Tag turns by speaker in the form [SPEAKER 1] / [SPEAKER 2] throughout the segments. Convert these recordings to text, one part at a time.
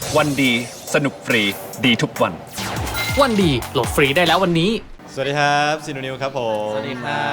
[SPEAKER 1] วันดีสนุกฟรีดีทุกวัน
[SPEAKER 2] วันดีโหลดฟรีได้แล้ววันนี้
[SPEAKER 3] สวัสดีครับซีโนนิวครับผม
[SPEAKER 2] สวัสดีครับ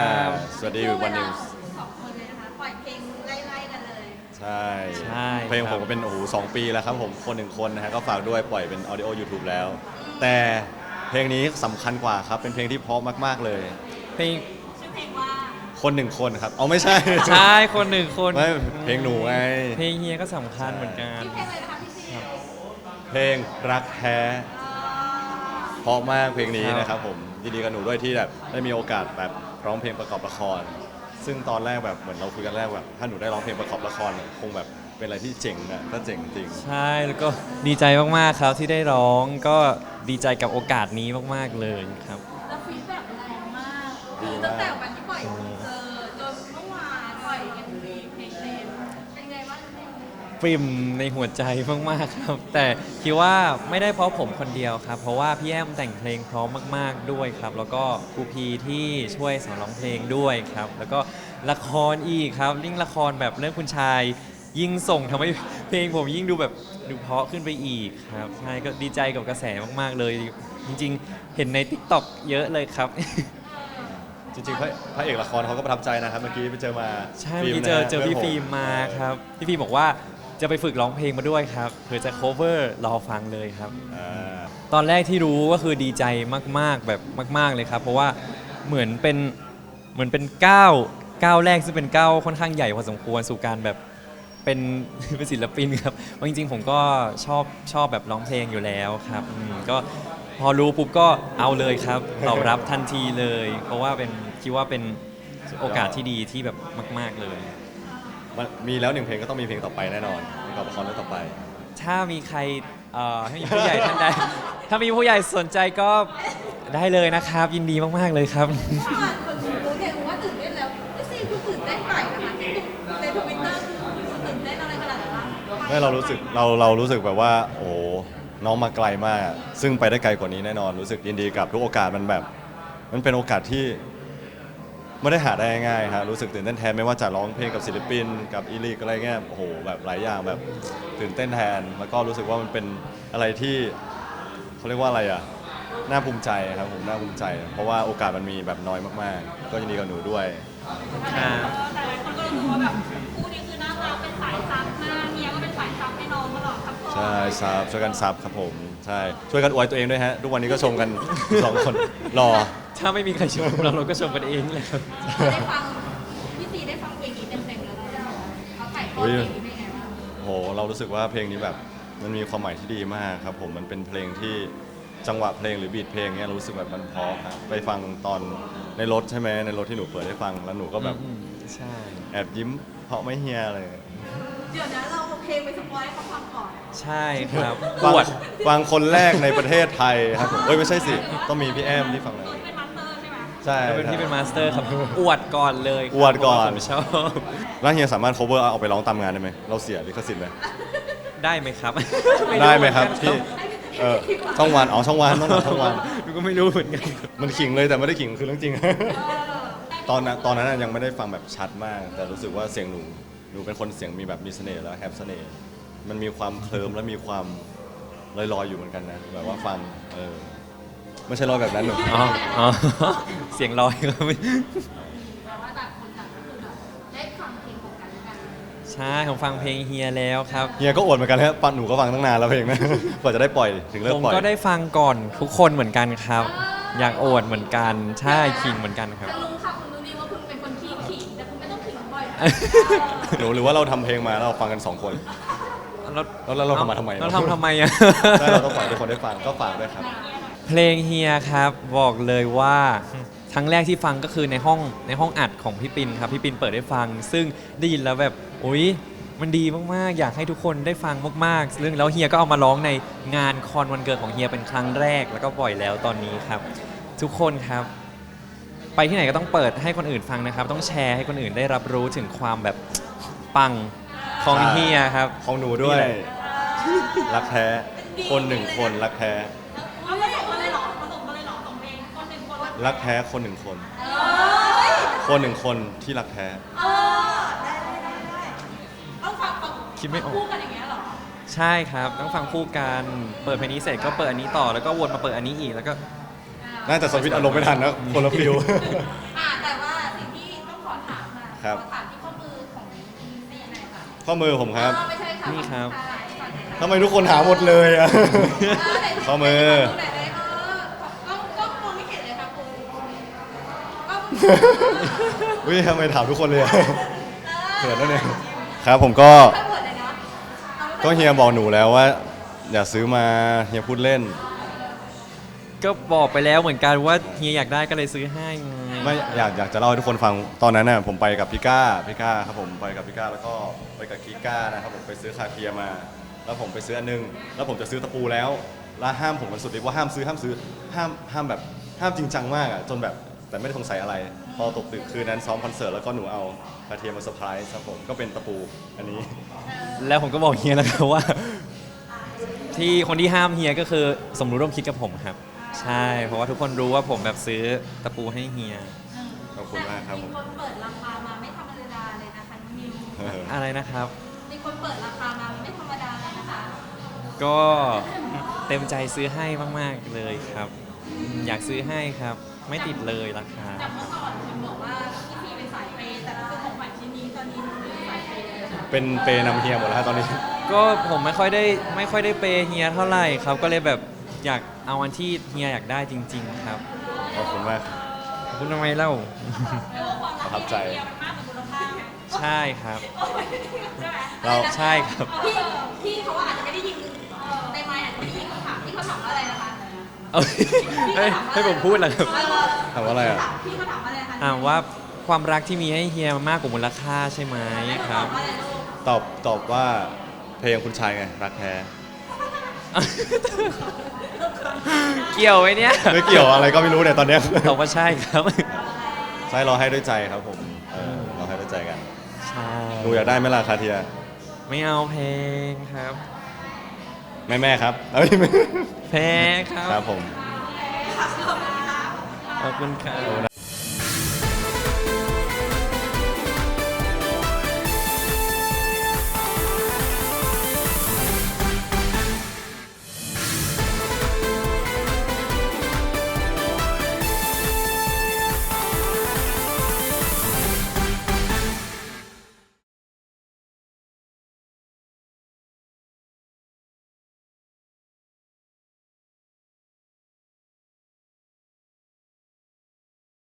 [SPEAKER 3] สวัสดีวันนิวส์
[SPEAKER 4] สองคนเลยนะคะปล่อยเพลงไล่ๆกันเลย
[SPEAKER 3] ใช่
[SPEAKER 2] ใช่
[SPEAKER 3] เพลงผมก็เป็น2 ปีแล้วครับผมคนหนึ่งคนนะฮะก็ฝากด้วยปล่อยเป็น Audio YouTube แล้ว แต่เพลงนี้สำคัญกว่าครับเป็นเพลงที่เพราะมากๆเลย
[SPEAKER 2] เพลง
[SPEAKER 4] ชื่อเพลงว่า
[SPEAKER 3] คนหนึ่งคนครับเอาไม่ใช่
[SPEAKER 2] ใช่คนหนึ่งคน
[SPEAKER 3] ไม่เพลงหนูไง
[SPEAKER 2] เพลงเฮียก็สำคัญเหมือนกัน
[SPEAKER 4] ชื่อเพลงอะไรนะคะพี่ซี
[SPEAKER 3] เพลงรักแท้เพราะมากเพลงนี้นะครับผมยินดีกับหนูด้วยที่แบบได้มีโอกาสแบบร้องเพลงประกอบละคร ซึ่งตอนแรกแบบเหมือนเราคุยกันแรกแบบถ้าหนูได้ร้องเพลงประกอบละครเนี่ยคงแบบเป็นอะไรที่เจ๋งอะก็เจ๋งจริง
[SPEAKER 2] ใช่แล้วก็ดีใจมากๆครับที่ได้ร้องก็ดีใจกับโอกาสนี้มากๆเลยครับ
[SPEAKER 4] แล้วฟีดแบ็กแรงมากคือตั้งแต่วันที่ปล่อยทีเซอร์จนเมื่อวานปล่อยกันเพลงเต็มเป็นไงบ้างเพลง
[SPEAKER 2] ปริ่มในหัวใจมากๆครับ แต่คิดว่าไม่ได้เพราะผมคนเดียวครับ เพราะว่าพี่แอมแต่งเพลงพร้อมมากๆด้วยครับ แล้วก็ครูพีที่ช่วยสอนร้องเพลงด้วยครับ แล้วก็ละครอีกครับยิ่งละครแบบเรื่องคุณชาย ยิ่งส่งทำให้เพลงผมยิ่งดูแบบดูเพราะขึ้นไปอีกครับใช่ก็ดีใจกับกระแสมากๆเลย จริงๆ เห็นใน TikTok เยอะเลยครับ
[SPEAKER 3] จริงๆพระเอกละครเขาก็ประทับใจนะครับเมื่อกี้ไปเจอมา
[SPEAKER 2] ใช่เมื่อกี้เจอพี่ฟิล์มมาครับพี่ฟิล์มบอกว่าจะไปฝึกร้องเพลงมาด้วยครับเพื่อจะ cover รอฟังเลยครับ
[SPEAKER 3] อ่า
[SPEAKER 2] ตอนแรกที่รู้ก็คือดีใจมากๆแบบมากๆเลยครับ เพราะว่าเหมือนเป็นก้าวแรกซึ่งเป็นก้าวค่อนข้างใหญ่พอสมควรสู่การแบบเป็น เป็นศิลปินครับเพราะจริงๆผมก็ชอบแบบร้องเพลงอยู่แล้วครับก็พอรู้ปุ๊บก็เอาเลยครับตอบรับทันทีเลย เพราะว่าคิดว่าเป็นโอกาสที่ดีที่แบบมาก ๆเลย
[SPEAKER 3] มันมีแล้ว1 เพลงก็ต้องมีเพลงต่อไปแน่นอนประกอบละครเรื่องต่อไป
[SPEAKER 2] ถ้ามีใครให้มีผู้ใหญ่ท่านใด ถ้ามีผู้ใหญ่สนใจก็ได้เลยนะครับ ยินดีมากๆเลยครับ
[SPEAKER 4] เมื่อวานคนรู้เนี่ยว่าตื่นเต้นแล้วพี่ซีคือตื่นเต้นใหม่นะคะที่ในทวิตเตอร์คือตื่นเต้นอะไรขนาดนั้นบ้าง
[SPEAKER 3] ไม่เรารู้สึกแบบว่าโอ้น้องมาไกลมาก ซึ่งไปได้ไกลกว่านี้แน่นอนรู้สึกยินดีกับทุกโอกาสมันแบบมันเป็นโอกาสที่ไม่ได้หาได้ง่ายๆครับรู้สึกตื่นเต้นแทนไม่ว่าจะร้องเพลงกับศิลปินกับอีลิกอะไรเงี้ยโอ้โหแบบหลายอย่างแบบตื่นเต้นแทนแล้วก็รู้สึกว่ามันเป็นอะไรที่เขาเรียกว่าอะไรอ่ะน่าภูมิใจครับผมน่าภูมิใจ เพราะว่าโอกาสมันมีแบบน้อยมากๆ ก็ยินดีกับหนูด้วย
[SPEAKER 2] ครับ
[SPEAKER 4] แต่หลายคนก็รู้ว่าแบบคู่นี้คือน่ารักเป็นสายซับมากเมียก็เป็นสายซับให้น้องตลอดครับพ่อ
[SPEAKER 3] ใช่ซับช่วยกันซับครับผมใช่ช่วยกันอวยตัวเองด้วยฮะทุกวันนี้ก็ชมกัน 2 คนรอ
[SPEAKER 2] ถ้าไม่มีใครชมเราก็ชมกันเองเลยครับ
[SPEAKER 4] ได้ฟังพี่ซีได้ฟังเพลงนี้เต็มๆแล้วเขาถ่ายทอดเพลงนี้เป็นไงบ้าง
[SPEAKER 3] โหเรารู้สึกว่าเพลงนี้แบบมันมีความหมายที่ดีมากครับผมมันเป็นเพลงที่จังหวะเพลงหรือบีทเพลงเนี้ยรู้สึกแบบมันเพราะครับไปฟังตอนในรถใช่ไหมในรถที่หนูเปิดให้ฟังแล้วหนูก็แบบ
[SPEAKER 2] ใช่
[SPEAKER 3] แอบยิ้มเพราะไม่เฮียอะไร
[SPEAKER 4] เดี๋ยวนะเราเอาเพลงไปสปอยให้เขาฟังก่อน
[SPEAKER 2] ใช่ครับอ
[SPEAKER 3] ฟัง
[SPEAKER 2] วด
[SPEAKER 3] ฟังคนแรกในประเทศไทยครับผมเอ้ยไม่ใช่สิต้องมีพี่แอมที่ฟังแล้ว
[SPEAKER 4] เป็นมาสเตอร์ใช่ไหม
[SPEAKER 3] ใช่
[SPEAKER 2] เป็นที่เป็นมาสเตอร์ครับอวดก่อนเลยครับ
[SPEAKER 3] อวดก่อน
[SPEAKER 2] ผมชอบ
[SPEAKER 3] แล้วเฮียสามารถ cover เอาไปร้องตามงานได้ไหมเราเสียลิขสิทธิ์ไหม
[SPEAKER 2] ได้ไหมครับ
[SPEAKER 3] ได้ไหมครับ
[SPEAKER 2] พี่
[SPEAKER 3] พี่ช่องวันช่องวันต้องช่องวัน
[SPEAKER 2] ดูก็ไม่รู้เหมือนกัน
[SPEAKER 3] มันขิงเลยแต่ไม่ได้ขิงคือเรื่องจริง ตอนนั้นยังไม่ได้ฟังแบบชัดมาก แต่รู้สึกว่าเสียงหนูเป็นคนเสียงมีแบบมีเสน่ห์แล้วแฮปเสน่ห์มันมีความเคลิ้มและมีความลอยๆอยู่เหมือนกันนะแบบว่าฟังไม่ใช่ลอยแบบนั้นหนู
[SPEAKER 2] อ๋อ เสียงลอยครับ
[SPEAKER 4] แปลว่าต่างคนต่างก็คือแบบได้ฟังเพลงของกันและกัน
[SPEAKER 2] ใช่ผมฟังเพลงเฮียแล้วครับ
[SPEAKER 3] เฮียก็อวดเหมือนกันฮะปันหนูก็ฟังตั้งนานแล้วเพลงนะ กว่าจะได้ปล่อยถึงเลิก
[SPEAKER 2] ผม
[SPEAKER 3] ปล่อย
[SPEAKER 2] ก็ได้ฟังก่อนทุกคนเหมือนกันครับ อยากอวดเหมือนกัน ใช่ขิงเหมือนกันครับ
[SPEAKER 4] จะรู้ค่ะคุณรู้ดีว่าคุณเป็นคนขี้ขิงแต่คุณไม่ต้องขิงบ่อยนะ
[SPEAKER 3] หนูหรือว่าเราทำเพลงมาแล้วเราฟังกัน2 คน แล้วเราทำมาทำไม
[SPEAKER 2] เราทำไมอ่ะ
[SPEAKER 3] ใช่เราต้องปล่อยให้ทุกคนได้ฟังก็ฝากด้วยครับ
[SPEAKER 2] เพลงเฮียครับบอกเลยว่าครั้งแรกที่ฟังก็คือในห้องอัดของพี่ปินครับพี่ปินเปิดให้ฟัง ซึ่งได้ยินแล้วแบบอุ๊ยมันดีมากๆ อยากให้ทุกคนได้ฟังมากๆซึ่งแล้วเฮียก็เอามาร้องในงานคอนวันเกิดของเฮียเป็นครั้งแรกแล้วก็ปล่อยแล้วตอนนี้ครับ ทุกคนครับ ไปที่ไหนก็ต้องเปิดให้คนอื่นฟังนะครับ ต้องแชร์ให้คนอื่นได้รับรู้ถึงความแบบปังของเฮียครับ
[SPEAKER 3] ของหนูด้วย
[SPEAKER 2] นี่แหละ
[SPEAKER 3] รักแท้คนหนึ่งคนรักแท้
[SPEAKER 4] เอาไม่ส่งมาเลยเหรอมาส่งมาเลยเหรอส่งเพลงคนหนึ่งคนละ
[SPEAKER 3] รักแท้คนหนึ่งคน คนหนึ่งคนที่รักแท้
[SPEAKER 4] ได้ต้องฟัง
[SPEAKER 2] คิดไม่ออก
[SPEAKER 4] คู่กันอย่างเงี้ยเหรอ
[SPEAKER 2] ใใช่ครับต้องฟังคู่กันเปิดเพลงนี้เสร็จก็เปิดอันนี้ต่อแล้วก็วนมาเปิดอันนี้อีกแล้วก็
[SPEAKER 3] น่าจะสวิตช์อารมณ์ไม่ทันนะคนละฟิล
[SPEAKER 4] แต่ว่าสิ่งที่ต้องขอถามค่ะ
[SPEAKER 3] ครับ
[SPEAKER 4] ขอถามที่ข้อมือของซีหน่อยค่ะ
[SPEAKER 3] ข้อมือผมครับ
[SPEAKER 4] ไม่ใช่ค่ะ
[SPEAKER 2] นี่ครับ
[SPEAKER 3] ทำไมทุกคนหาหมดเลยอะ ข้อมือ
[SPEAKER 4] ไหนเลยก็มองไม่เห็นเลยค่ะคุณก็
[SPEAKER 3] อุ้ยทำไมถามทุกคนเลยอะเขินแล้วเนี่ยครับผมก็
[SPEAKER 4] ถ้าเปิดเลยเนาะ
[SPEAKER 3] ก็เฮียบอกหนูแล้วว่า อย่าซื้อมาเฮียพูดเล่น
[SPEAKER 2] ก็บอกไปแล้วเหมือนกันว่าเฮียอยากได้ก็เลยซื้อให้ไง
[SPEAKER 3] ไม่อยากจะเล่าให้ทุกคนฟังตอนนั้นน่ะผมไปกับพี่ก้าครับผมไปกับพี่ก้าแล้วก็ไปกับกีก้านะครับผมไปซื้อคาเทียมา แล้วผมไปซื้ออันนึงแล้วผมจะซื้อตะปูแล้วห้ามผมมันสุดฤทธิ์ว่าห้ามซื้อห้ามแบบห้ามจริงจังมากอ่ะจนแบบแต่ไม่ได้สงสัยอะไร พอตกดึกคืนนั้นซ้อมคอนเสิร์ตแล้วก็หนูเอาคาเทียมาเซอร์ไพรส์ครับผมก็เป็นตะปูอันนี้
[SPEAKER 2] แล้วผมก็บอกเฮียแล้วครับว่า ที่คนที่ห้ามเฮียก็คือสมรู้ร่วมคิดกับผมครับ ใช่เพราะว่าทุกคนรู้ว่าผมแบบซื้อตะปูให้เฮีย
[SPEAKER 3] ขอบคุณมากครับผม
[SPEAKER 4] มีคนเปิดราคามาไม่ธรรมดาเลยนะคะน้องนิว
[SPEAKER 2] อะไรนะครับ
[SPEAKER 4] มีคนเปิดราคามาไม่ธรรมดาเลยนะคะ
[SPEAKER 2] ก็เต็มใจซื้อให้มากๆเลยครับอยากซื้อให้ครับ ไม่ติดเลยราคา
[SPEAKER 4] จากเมื่อก่อนคุณบอกว่าพี่พีเป็นสายเปย์แต่คือของขวัญชิ้นนี้ตอนนี้หนูเป็นสายเปย์เลยค่ะ
[SPEAKER 3] เป็นเปย์นำเฮียหมดแล้วฮะตอนนี้
[SPEAKER 2] ก็ผมไม่ค่อยได้เปย์เฮียเท่าไหร่ครับ ก็เลยแบบอยากเอาอันที่เฮียอยากได้จริง ๆ ครับ
[SPEAKER 3] ขอบคุณมาก
[SPEAKER 2] ขอบคุณทำไมเล่า
[SPEAKER 3] ประทับใจ
[SPEAKER 4] มากกว่ามูลค่าไหม
[SPEAKER 2] ใช่ครับ
[SPEAKER 4] ใช่ไหม
[SPEAKER 3] เรา
[SPEAKER 2] ใช่ครับ
[SPEAKER 4] พี่เขาอาจจะไม่ได้ยินในไมค์อาจจะไม่ได้ยินคำถามที่เขาถามว่าอะไรนะคะ
[SPEAKER 2] เอาให้ผมพูดเหรอครับ
[SPEAKER 3] ถามว่าอะไรอ่ะ
[SPEAKER 4] พี่เขาถามว่าอะไรนะคะ
[SPEAKER 2] ว่าความรักที่มีให้เฮียมากกว่ามูลค่าใช่ไหมครับ
[SPEAKER 4] ว่าอะไรลูก
[SPEAKER 3] ตอบว่าเพลงคุณชายไงรักแท้
[SPEAKER 2] เกี่ยวไหมเนี่ย
[SPEAKER 3] ไม่เกี่ยวอะไรก็ไม่รู้เนี่ยตอนเนี้ย
[SPEAKER 2] ตอบว่าใช่ครับ
[SPEAKER 3] ใช่เราให้ด้วยใจครับผมเราให้ด้วยใจกัน
[SPEAKER 2] ใช่
[SPEAKER 3] หนูอยากได้ไหมล่ะคาเทีย
[SPEAKER 2] ไม่เอาเพลงครับ
[SPEAKER 3] แม่ครับเอ้ยไม่
[SPEAKER 2] แพ้ครั
[SPEAKER 3] ครับ บผม
[SPEAKER 2] ขอบคุณครับ